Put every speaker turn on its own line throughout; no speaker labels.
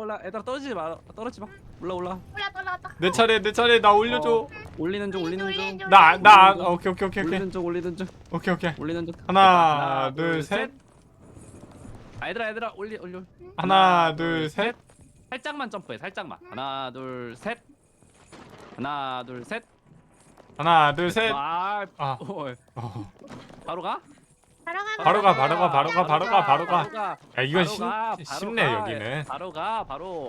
올라. 얘들아 떨어지지 마. 떨어지지 마. 올라.
올라왔다.
내 차례 나 올려줘.
올리는 중.
나 오케이.
올리는 중.
오케이.
올리는 중.
하나, 둘, 셋.
얘들아 올려.
하나, 둘, 셋.
살짝만 점프해. 살짝만. 하나, 둘, 셋. 하나, 둘, 셋.
하나, 둘, 셋.
아,
아.
바로 가?
바로 가. 야, 이건 쉽네
가.
여기는.
바로 가.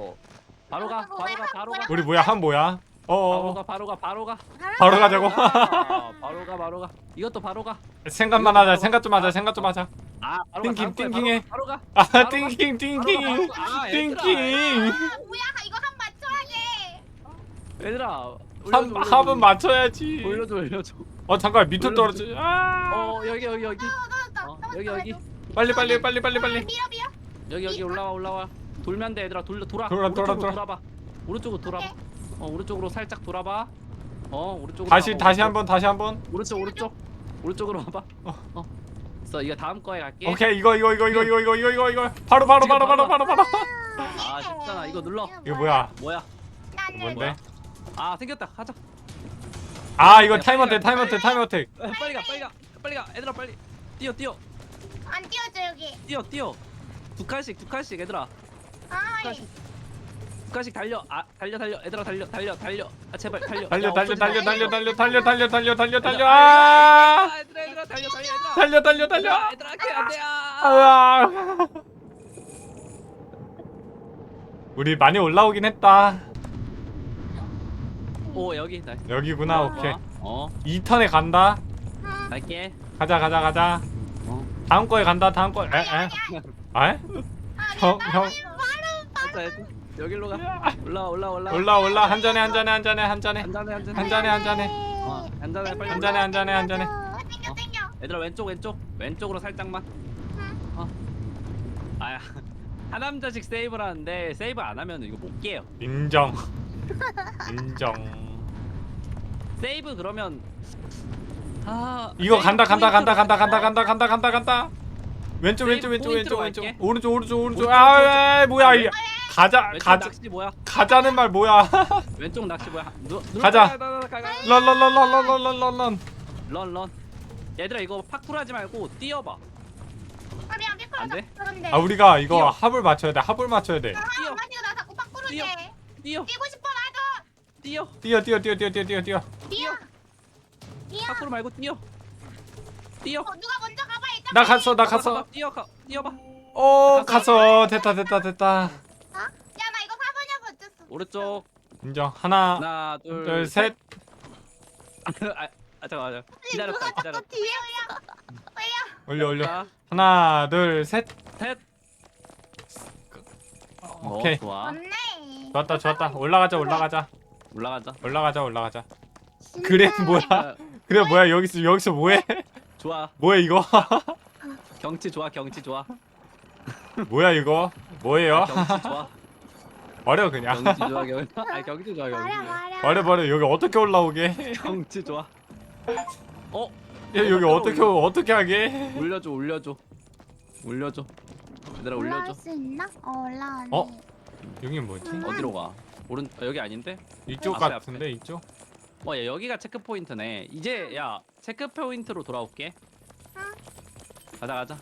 우리 뭐야? 한 뭐야?
바로 가.
바로 가자고.
바로 가. 이것도 바로 가.
생각만 하자. 생각 좀 하자.
아, 바로
띵킹,
가.
띵킹해.
바로 가.
아,
바로 가.
띵킹.
아, 얘들아.
뭐야? 이거 한 맞춰야 돼.
얘들아.
합은 맞춰야지.
올려줘.
잠깐 밑으로 떨어지.
여기. 여기.
빨리.
밀어.
여기 올라와. 돌면 돼, 얘들아. 돌아.
돌아.
돌아봐. 오른쪽으로 돌아봐. 오른쪽으로 살짝 돌아봐. 오른쪽으로.
다시 한번.
오른쪽으로 와봐. 그래서 이거 다음 거에 갈게.
오케이. 이거. 바로.
아, 쉽잖아. 이거 눌러.
이거 뭐야?
뭔데?
아, 생겼다. 하자.
아, 이거 타임 어택.
빨리 가. 얘들아, 빨리. 뛰어.
안 띄워줘 여기.
뛰어. 두 칸씩 얘들아.
아,
두 칸씩 달려. 달려. 얘들아, 달려. 아, 제발 달려.
달려. 아!
얘들아,
달려.
얘들아, 안 돼.
아. 우리 많이 올라오긴 했다.
오, 여기. 나이스.
여기구나. 오케이.
2턴에
간다.
갈게.
가자.
어.
다음 거에 간다. 다음 거. 에? 형.
됐다. 여기로 가. 올라.
올라. 한 잔에.
한 잔에.
땡겨.
얘들아, 왼쪽으로 살짝만. 아야. 한 남자씩 세이브를 하는데 세이브 안 하면 이거 못 깨요.
인정.
세이브 그러면
이거 간다. 왼쪽.
포인트로 갈게.
오른쪽. 아, 뭐야 이.
왼쪽 낚시 뭐야?
가자는 말 뭐야?
왼쪽 낚시 뭐야?
가자.
런. 얘들아, 이거 파쿠르 하지 말고 뛰어봐. 안 돼?
아, 우리가 이거
뛰어.
합을 맞춰야 돼.
뛰어.
나 자꾸 바꾸르게.
뛰어.
뛰고 싶어 나도.
뛰어.
뛰어.
파쿠르 말고 뛰어.
누가 먼저 가봐 일단.
나 갔어.
뛰어봐.
갔어. 됐다.
야 나 이거 사보냐고 어쨌어.
오른쪽.
인정. 하나,
하나,
둘, 셋.
잠깐만. 기다렸다.
뒤에야.
올려.
자,
하나, 둘, 셋.
셋.
오케이.
좋아.
맞네.
좋았다. 올라가자.
올라가자.
그래 뭐야? 여기서 뭐해?
좋아.
뭐야 이거?
경치 좋아.
뭐야 이거? 뭐예요?
경치 좋아.
버려 그냥.
경치 좋아.
말야.
버려. 여기 어떻게 올라오게?
경치 좋아.
야, 여기 어떻게 하게?
올려줘. 얘들아, 올려줘.
올라갈 수 있나? 올라가네.
여기 뭐지?
어디로 가? 여기 아닌데?
이쪽
앞에,
같은데 이쪽?
야, 여기가 체크 포인트네. 이제 야, 체크 포인트로 돌아올게. 가자.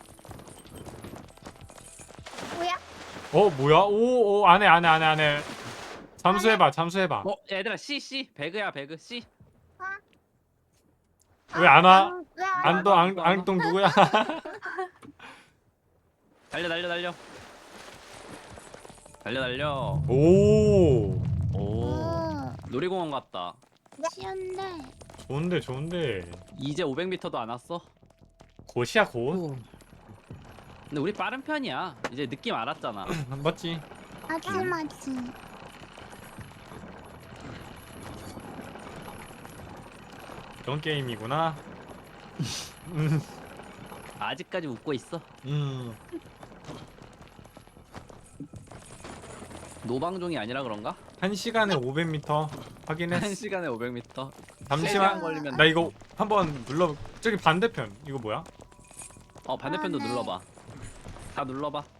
뭐야?
뭐야? 오 안해. 잠수해봐.
얘들아, C 배그야, 배그 C.
왜 안 와?
왜
앙동 누구야?
달려.
오,
놀이공원 같다.
쉬운데.
좋은데.
이제 500m도 안 왔어.
곧이야 곧.
근데 우리 빠른 편이야. 이제 느낌 알았잖아.
맞지?
맞지.
그런 게임이구나.
아직까지 웃고 있어. 노방종이 아니라 그런가?
1시간에 500m 확인했어.
1시간에 500m.
잠시만.
시간 걸리면
나 이거 한번 눌러. 저기 반대편. 이거 뭐야?
반대편도
네.
눌러봐. 다 눌러봐.